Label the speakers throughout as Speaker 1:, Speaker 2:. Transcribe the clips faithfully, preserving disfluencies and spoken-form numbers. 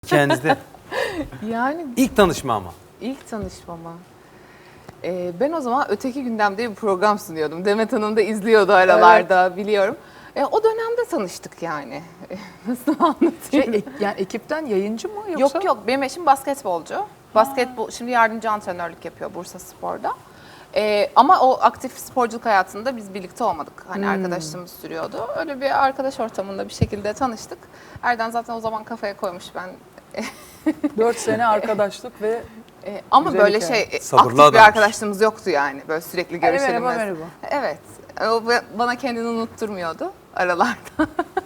Speaker 1: Hikayenizde.
Speaker 2: Yani
Speaker 1: İlk tanışma ama.
Speaker 2: ilk tanışmama. Ee, ben o zaman Öteki Gündem diye bir program sunuyordum. Demet Hanım da izliyordu aralarda biliyorum. E, o dönemde tanıştık yani. Nasıl anlatayım?
Speaker 3: Şey, e- yani ekipten yayıncı mı yoksa?
Speaker 2: Yok yok, benim eşim basketbolcu. Basketbol, şimdi yardımcı antrenörlük yapıyor Bursa Spor'da. Ee, ama o aktif sporculuk hayatında biz birlikte olmadık. Hani arkadaşlığımız sürüyordu. Öyle bir arkadaş ortamında bir şekilde tanıştık. Erden zaten o zaman kafaya koymuş ben.
Speaker 3: Dört sene arkadaşlık ve
Speaker 2: Ee, ama
Speaker 3: Güzel
Speaker 2: böyle
Speaker 3: hikaye.
Speaker 2: şey, e,
Speaker 1: Sabırlı
Speaker 2: aktif bir
Speaker 1: adammış.
Speaker 2: arkadaşlığımız yoktu yani. Böyle sürekli
Speaker 3: Hani
Speaker 2: görüşelim.
Speaker 3: merhaba,
Speaker 2: mesela.
Speaker 3: merhaba.
Speaker 2: Evet. O bana kendini unutturmuyordu aralarda.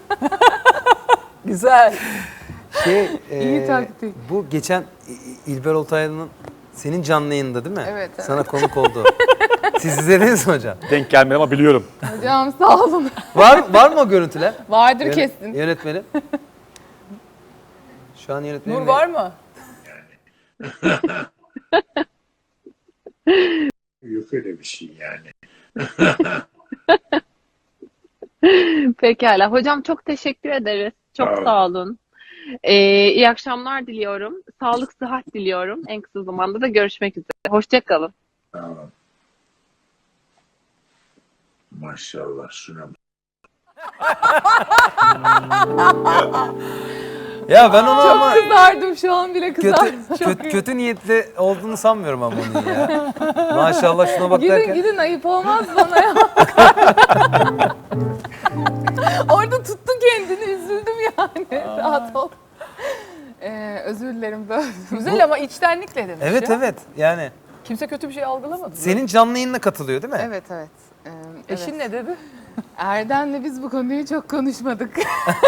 Speaker 3: güzel.
Speaker 1: Şey,
Speaker 2: İyi
Speaker 1: e,
Speaker 2: taktik.
Speaker 1: bu geçen İ- İlber Ortaylı'nın senin canlı yayında değil mi?
Speaker 2: Evet, evet.
Speaker 1: Sana konuk oldu. Siz izlediniz mi hocam?
Speaker 4: Denk gelmedi ama biliyorum.
Speaker 2: Hocam sağ olun.
Speaker 1: Var var mı o görüntüler?
Speaker 2: Vardır
Speaker 1: Yönet-
Speaker 2: kesin.
Speaker 1: Yönetmenim. Şu an yönetmenim.
Speaker 3: Nur var mı?
Speaker 5: Yok öyle bir şey yani.
Speaker 6: Pekala. Hocam çok teşekkür ederiz. Çok
Speaker 5: Sağ olun.
Speaker 6: sağ olun. Ee, iyi akşamlar diliyorum. Sağlık, sıhhat diliyorum. En kısa zamanda da görüşmek üzere. Hoşça kalın.
Speaker 5: Tamam. Maşallah şuna bak.
Speaker 1: Ya ben onu ama
Speaker 2: Çok kızardım, şu an bile kızardım.
Speaker 1: kötü, kötü, kötü niyetli olduğunu sanmıyorum ama onun ya. Maşallah şuna bak
Speaker 2: Gidin
Speaker 1: derken.
Speaker 2: gidin, ayıp olmaz bana ya. Orada tuttun kendini, üzüldüm yani. Rahat ol. Ee, özür dilerim böyle.
Speaker 3: Güzel ama içtenlikle demiş
Speaker 1: Evet
Speaker 3: ya.
Speaker 1: evet yani
Speaker 3: Kimse kötü bir şey algılamadı.
Speaker 1: senin canlı yayınına katılıyor değil mi?
Speaker 2: Evet evet. Ee,
Speaker 3: Eşin
Speaker 2: evet.
Speaker 3: ne dedi?
Speaker 2: Erdem'le biz bu konuyu çok konuşmadık.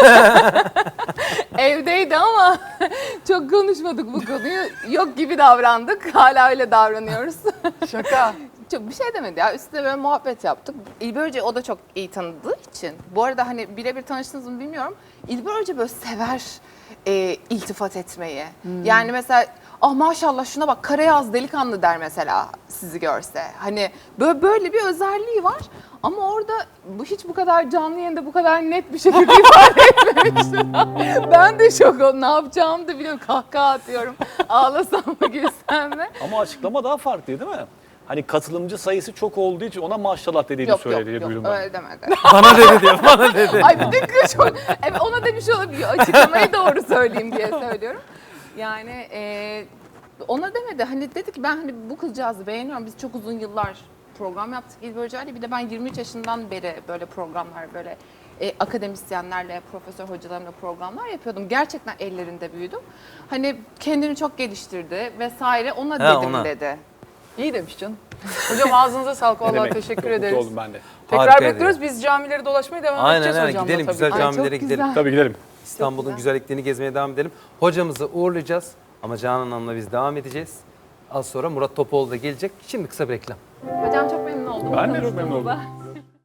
Speaker 2: Evdeydi ama çok konuşmadık bu konuyu. Yok gibi davrandık. Hala öyle davranıyoruz.
Speaker 3: Şaka.
Speaker 2: Çok bir şey demedi ya. Üstüne böyle muhabbet yaptık. İlber Hoca o da çok iyi tanıdığı için. Bu arada hani birebir tanıştınız mı bilmiyorum. İlber Hoca böyle sever e, iltifat etmeyi. Yani mesela ah maşallah şuna bak Karayaz delikanlı der mesela sizi görse. Hani böyle, böyle bir özelliği var. Ama orada bu hiç bu kadar canlı yayında bu kadar net bir şekilde ifade etmemiştim. Ben de şok oldum. Ne yapacağımı da bilmiyorum. Kahkaha atıyorum. Ağlasam mı gülsem mi?
Speaker 4: Ama açıklama daha farklı değil mi? Hani katılımcı sayısı çok olduğu için ona maşallah dediğini
Speaker 2: Yok yok
Speaker 4: söyledi
Speaker 2: yok
Speaker 4: duydum ben.
Speaker 2: öyle demedi.
Speaker 1: Bana dedi diyor bana dedi.
Speaker 2: Ay bir dakika çok... Evet, ona demiş olabilir. Açıklamayı doğru söyleyeyim diye söylüyorum. Yani e, ona demedi. Hani dedi ki ben hani bu kızcağızı beğeniyorum. Biz çok uzun yıllar program yaptık İlber Hoca'yla. Bir de ben yirmi üç yaşından beri böyle programlar böyle e, akademisyenlerle, profesör hocalarımla programlar yapıyordum. Gerçekten ellerinde büyüdüm. Hani kendini çok geliştirdi vesaire. Ona
Speaker 1: Ha,
Speaker 2: dedim
Speaker 1: ona.
Speaker 2: dedi.
Speaker 3: İyi demiş canım. Hocam ağzınıza sağlık.
Speaker 4: Ne
Speaker 3: Vallahi
Speaker 4: demek?
Speaker 3: teşekkür
Speaker 4: Çok
Speaker 3: ederiz.
Speaker 4: mutlu oldum ben de.
Speaker 3: Tekrar
Speaker 1: Harikaydı
Speaker 3: bekliyoruz. Biz camileri dolaşmaya devam
Speaker 1: Aynen
Speaker 3: edeceğiz
Speaker 1: aynen
Speaker 3: hocamla
Speaker 1: gidelim
Speaker 3: tabii
Speaker 1: güzel
Speaker 3: ki.
Speaker 2: Ay, çok
Speaker 1: camilere gidelim.
Speaker 2: güzel.
Speaker 4: Tabii gidelim.
Speaker 1: İstanbul'un
Speaker 2: güzel.
Speaker 1: güzelliklerini gezmeye devam edelim. Hocamızı uğurlayacağız ama Canan Hanım'la biz devam edeceğiz. Az sonra Murat Topoğlu da gelecek. Şimdi kısa bir reklam.
Speaker 2: Hocam çok memnun oldum.
Speaker 4: Ben de çok memnun oldum.
Speaker 2: tanıştığımıza.